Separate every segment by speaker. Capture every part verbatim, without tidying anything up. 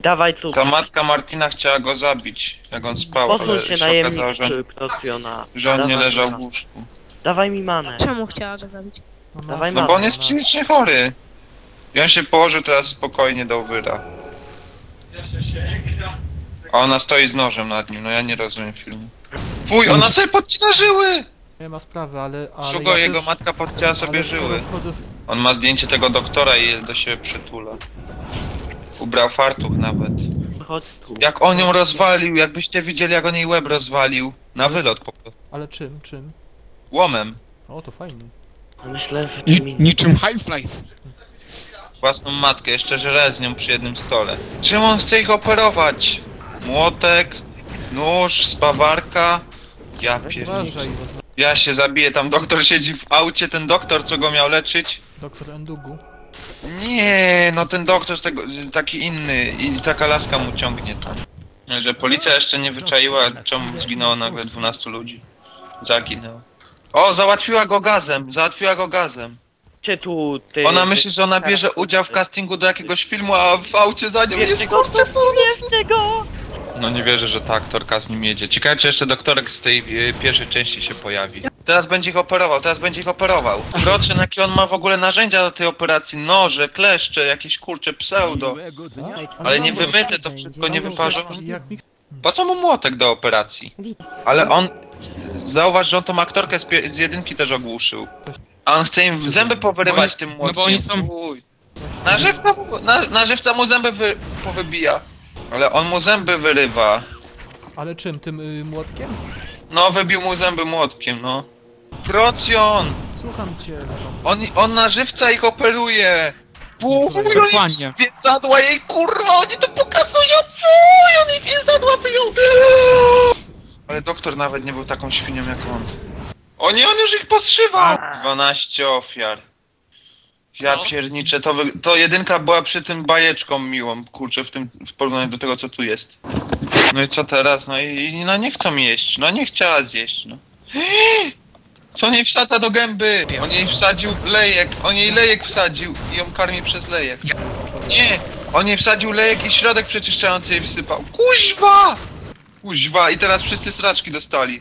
Speaker 1: dawaj tu.
Speaker 2: Ta matka Martina chciała go zabić, jak on spał,
Speaker 1: Posuń
Speaker 2: ale
Speaker 1: się
Speaker 2: się
Speaker 1: najemnik
Speaker 2: okazało, że,
Speaker 1: Procjona.
Speaker 2: że on nie
Speaker 1: Dawaj
Speaker 2: leżał
Speaker 1: manę.
Speaker 2: w łóżku.
Speaker 1: Dawaj mi manę.
Speaker 3: Czemu chciała go zabić?
Speaker 1: Dawaj
Speaker 2: No
Speaker 1: manę.
Speaker 2: bo on jest psychicznie chory. I on się położył teraz spokojnie do wyra. A ona stoi z nożem nad nim, no ja nie rozumiem filmu. Fuj, ona sobie podcina żyły!
Speaker 4: Nie ma sprawy, ale... ale
Speaker 2: Szugo,
Speaker 4: ja
Speaker 2: jego
Speaker 4: też,
Speaker 2: matka podcięła sobie
Speaker 4: ale skoro
Speaker 2: żyły.
Speaker 4: wchodzę z...
Speaker 2: On ma zdjęcie tego doktora i je do siebie przytula. Ubrał fartuch nawet.
Speaker 1: Chodź tu.
Speaker 2: Jak on ją rozwalił, jakbyście widzieli jak on jej łeb rozwalił. Na wylot po prostu.
Speaker 4: Ale czym, czym?
Speaker 2: Łomem.
Speaker 4: O, to fajnie.
Speaker 1: Myślę, że
Speaker 5: Ni
Speaker 1: czym innym.
Speaker 5: niczym Half-Life.
Speaker 2: Własną matkę, jeszcze żre z nią przy jednym stole. Czym on chce ich operować? Młotek, nóż, spawarka. Ja
Speaker 4: Weź
Speaker 2: pierdolę.
Speaker 4: uważaj, was-
Speaker 2: Ja się zabiję, tam doktor siedzi w aucie, ten doktor co go miał leczyć.
Speaker 4: doktor Endugu.
Speaker 2: Nie, no ten doktor z tego, taki inny i taka laska mu ciągnie tam. Że policja jeszcze nie wyczaiła, czemu zginęło nagle dwunastu ludzi. Zaginęło. O, załatwiła go gazem, załatwiła go gazem.
Speaker 1: Cię tu, ty...
Speaker 2: Ona myśli, że ona bierze udział w castingu do jakiegoś filmu, a w aucie za nią jest
Speaker 1: Bierzcie go,
Speaker 2: kurczę
Speaker 1: bierzcie go!
Speaker 2: No nie wierzę, że ta aktorka z nim jedzie. Ciekawe, czy jeszcze doktorek z tej e, pierwszej części się pojawi. Teraz będzie ich operował, teraz będzie ich operował. Zobaczcie, jakie on ma w ogóle narzędzia do tej operacji. Noże, kleszcze, jakieś kurcze pseudo. Ale nie wymyte, to wszystko nie wyparzone.
Speaker 4: Jak mi...
Speaker 2: Po co mu młotek do operacji? Ale on... Zauważ, że on tą aktorkę z, pie- z jedynki też ogłuszył. A on chce im zęby powyrywać tym młotkiem.
Speaker 5: No bo oni są...
Speaker 2: Uj. Na żywca mu, na, na żywca mu zęby wy, powybija. Ale on mu zęby wyrywa.
Speaker 4: Ale czym, tym y, młotkiem?
Speaker 2: No, wybił mu zęby młotkiem, no. Procjon!
Speaker 4: Słucham cię.
Speaker 2: On, on na żywca ich operuje! Fuj,
Speaker 5: Dokładnie.
Speaker 2: oni więzadła jej, kurwa, oni to pokazują! Fuj, oni więzadła wyją! Ale doktor nawet nie był taką świnią jak on. O nie, on już ich postrzywał! dwanaście ofiar. Ja pierniczę, to, wy... to jedynka była przy tym bajeczką miłą, kurczę, w tym w porównaniu do tego co tu jest. No i co teraz? No i, i no nie chcą jeść, no nie chciała zjeść, no. Co on jej wsadza do gęby? On jej wsadził lejek, on jej lejek wsadził i ją karmi przez lejek. Nie! On jej wsadził lejek i środek przeczyszczający jej wsypał. Kuźwa! Kuźwa, i teraz wszyscy sraczki dostali.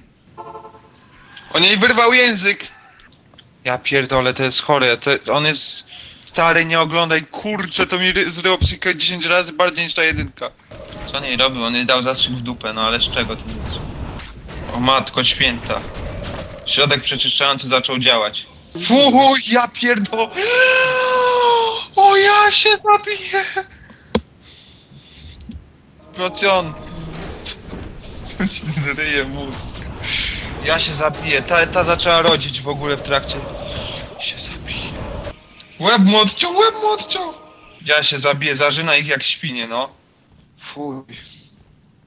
Speaker 2: On jej wyrwał język! Ja pierdolę, to jest chore, to, on jest stary, nie oglądaj, kurczę, to mi ry- zryło psychikę dziesięć razy bardziej niż ta jedynka. Co on jej robił? On jej dał zastrzyk w dupę, no ale z czego to jest? O matko święta. Środek przeczyszczający zaczął działać. Fuj, ja pierdolę! O, ja się zabiję! Procjon! Zryje mózg. Ja się zabiję, ta, ta zaczęła rodzić w ogóle w trakcie. Się zabiję. Łeb mu odciął, łeb mu odciął! Ja się zabiję, zarzyna ich jak świnie, no. Fuj.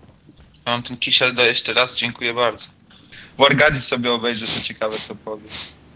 Speaker 2: Mam ten kisiel do jeszcze raz, dziękuję bardzo. Wargadzi sobie obejrzę, to ciekawe co powie.